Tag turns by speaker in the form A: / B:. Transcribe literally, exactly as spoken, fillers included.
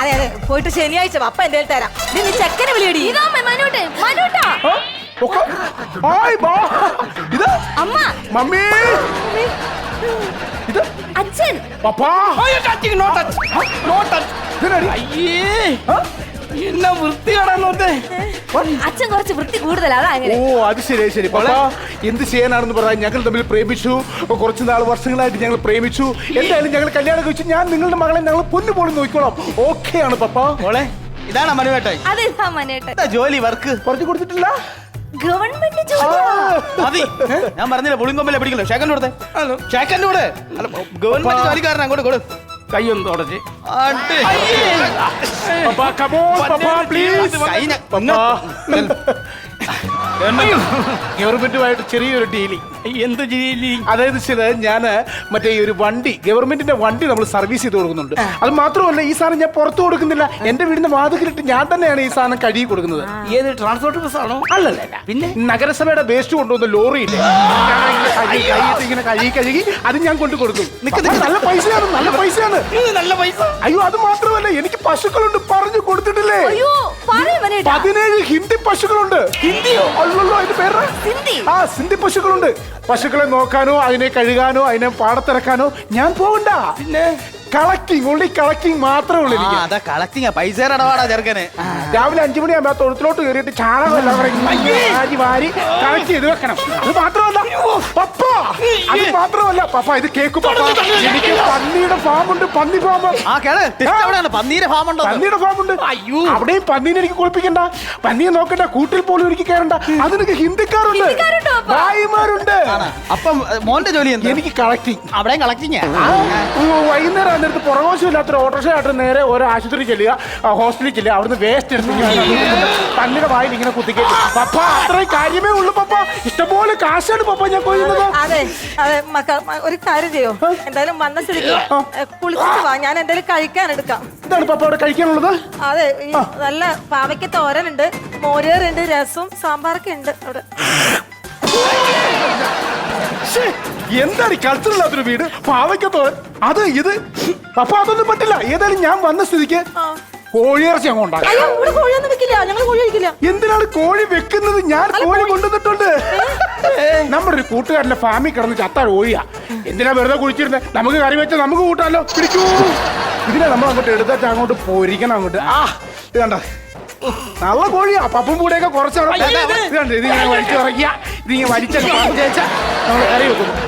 A: അതെ അതെ പോയിട്ട് ശനിയാഴ്ച അപ്പ എന്റെ തരാം. നീ ചെക്കനെ വിളിയടി.
B: അമ്മ
C: മമ്മി ഇത്
B: അച്ഛൻ
C: പപ്പാ
D: എന്നാ വൃത്തിയാടാന്നോട്ടെ.
B: അച്ഛൻ കുറച്ച് വൃത്തി കൂടുതലാണ്.
C: ഓ അത് ശരി ശരി. പപ്പാ എന്ത് ചെയ്യാനാണെന്ന് പറയാൻ ഞങ്ങൾ തമ്മിൽ പ്രേമിച്ചു. കുറച്ച് നാൾ വർഷങ്ങളായിട്ട് ഞങ്ങൾ പ്രേമിച്ചു. എന്തായാലും ഞങ്ങൾ കല്യാണം കഴിച്ചു. ഞാൻ നിങ്ങളുടെ മകളെ ഞങ്ങൾ പൊന്നു പോലും നോക്കിക്കോളാം. ഓക്കെ ആണ് പപ്പാ.
D: മോളെ ഇതാണ് മനുവേട്ടായി.
B: അതെന്താ മനേട്ടൻ?
D: ജോലി വർക്ക്
C: പറഞ്ഞു കൊടുത്തിട്ടില്ല.
B: ഗവൺമെന്റ് ജോലി
D: മതി. ഞാൻ പറഞ്ഞില്ല പുളിങ്കൊമ്പല്ലേ പിടിക്കല്ലോ. ഷേക്കൻ്റെ കൊടുത്തേ. ഷേക്കൻ്റെ കൂടെ ഗവൺമെന്റ് ജോലിക്കാരൻ അങ്ങോട്ട് കൊടു.
C: കയ്യൊന്ന് തുടച്ച്. ഗവൺമെന്റുമായിട്ട് ചെറിയൊരു ഡീലിംഗ്.
D: എന്ത് ഡീലിംഗ്?
C: അതായത് ഞാൻ മറ്റേ ഈ ഒരു വണ്ടി ഗവൺമെന്റിന്റെ വണ്ടി നമ്മൾ സർവീസ് ചെയ്ത് കൊടുക്കുന്നുണ്ട്. അത് മാത്രമല്ല ഈ സാധനം ഞാൻ പുറത്തു കൊടുക്കുന്നില്ല. എന്റെ വീടിന്റെ വാതിലിട്ട് ഞാൻ തന്നെയാണ് ഈ സാധനം കഴുകി കൊടുക്കുന്നത്.
D: ഏത് ട്രാൻസ്പോർട്ട് ബസ് ആണോ?
C: അല്ലല്ല, പിന്നെ നഗരസഭയുടെ വേസ്റ്റ് കൊണ്ടുവന്ന ലോറിയില്ലേ, ഇങ്ങനെ കഴുകി കഴുകി അത് ഞാൻ കൊണ്ടു കൊടുക്കും. നല്ല പൈസയാണ്, നല്ല പൈസയാണ്.
D: നല്ല പൈസ.
C: അയ്യോ അത് മാത്രമല്ല എനിക്ക് പശുക്കളുണ്ട്. പറഞ്ഞു കൊടുത്തിട്ടില്ലേ? പതിനേഴ് ഹിന്ദി പശുക്കളുണ്ട്. ഹിന്ദിയോ? അല്ലല്ലോ അതിന്റെ പേര് ആ സിന്ധി പശുക്കളുണ്ട്. പശുക്കളെ നോക്കാനോ അതിനെ കഴുകാനോ അതിനെ പാടത്തിറക്കാനോ ഞാൻ പോകണ്ട. പിന്നെ കളക്ടിങ് ഓൺലി കളക്ടിങ് മാത്രമേ ഉള്ളൂ.
D: കളക്ടിങ് പൈസ ഇടപാടാ ചെറുക്കന്.
C: രാവിലെ അഞ്ചു മണിയാകുമ്പോ തൊഴുത്തിലോട്ട് കയറിയിട്ട് ചാണകം എല്ലാം വാരി വാരി കളക്ട് ചെയ്ത് വെക്കണം. അത് മാത്രമല്ല പപ്പ, അത് മാത്രമല്ല പപ്പ ഇത് കേക്ക് പപ്പ, എനിക്ക് പന്നിയുടെ ഫാമുണ്ട്. പന്നി ഫാം.
D: പന്നീരെ ഫാം ഉണ്ടോ?
C: പന്നിയുടെ ഫാമുണ്ട്. അയ്യോ അവിടെയും പന്നീനെ എനിക്ക് കുളിപ്പിക്കണ്ട, പന്നിയെ നോക്കണ്ട, കൂട്ടിൽ പോലും എനിക്ക് കയറണ്ട. അതിനൊക്കെ ഹിന്ദിക്കാരുണ്ട്, ഭായിമാരുണ്ട്.
D: അപ്പം മോന്റെ ജോലി എന്താ?
C: എനിക്ക് കളക്ടിങ്.
D: അവിടെയും കളക്ടിങ്.
C: വൈകുന്നേരം അന്നേരത്ത് പുറകോശമില്ലാത്തൊരു ഓട്ടോറിക്ഷ ആയിട്ട് നേരെ ഓരോ ആശുപത്രി ചെല്ലുക, ഹോസ്പിറ്റലിൽ ചെല്ലുക, അവിടുന്ന് വേസ്റ്റ് എടുത്ത് പന്നിയുടെ വായിൽ ഇങ്ങനെ കുത്തിക്കേറ്റ്. പപ്പ അത്രയും കാര്യമേ ഉള്ളൂ പപ്പ. ഇഷ്ടംപോലെ കാശാണ് പപ്പ ഞാൻ കൊയ്യുന്നത്.
A: അതെ അതെ മക്ക ഒരു കാര്യം ചെയ്യോ, എന്തായാലും വന്ന സ്ഥിതിക്ക് കുളിച്ചിട്ട് വാ, ഞാൻ എന്തായാലും കഴിക്കാൻ എടുക്കാം.
C: എന്താണ് പപ്പ അവിടെ കഴിക്കാനുള്ളത്?
A: അതെ ഈ നല്ല പാവയ്ക്ക തോരനുണ്ട്, മോരേറുണ്ട്, രസവും സാമ്പാറൊക്കെ ഉണ്ട് അവിടെ.
C: എന്താണ് കൾച്ചറില്ലാത്തൊരു വീട്? പാവയ്ക്കത്തോരൻ അത് ഇത് പപ്പ അതൊന്നും പറ്റില്ല. ഏതായാലും ഞാൻ വന്ന സ്ഥിതിക്ക് കോഴിയിറച്ചി അങ്ങ് ഉണ്ടാക്കാം. എന്തിനാണ് കോഴി വെക്കുന്നത്? ഞാൻ കോഴി കൊണ്ടുവന്നിട്ടുണ്ട്. നമ്മുടെ ഒരു കൂട്ടുകാരന്റെ ഫാമിൽ കിടന്ന് ചത്ത കോഴിയാ. എന്തിനാ വെറുതെ കുഴിച്ചിരുന്നത്? നമുക്ക് കറി വെച്ചാൽ നമുക്ക് കൂട്ടാലോ. പിടിക്കൂ. ഇതിനെ നമ്മൾ അങ്ങോട്ട് എടുത്തിട്ട് അങ്ങോട്ട് പൊരിക്കണം. അങ്ങോട്ട് ആ ഇത് കണ്ട നല്ല കോഴിയാ. പപ്പും കൂടെയൊക്കെ കുറച്ചാണ്. ഇതിങ്ങനെ വലിച്ചിറക്കിയ ഇതിങ്ങനെ വലിച്ച നമ്മൾ കറി വെക്കുന്നു.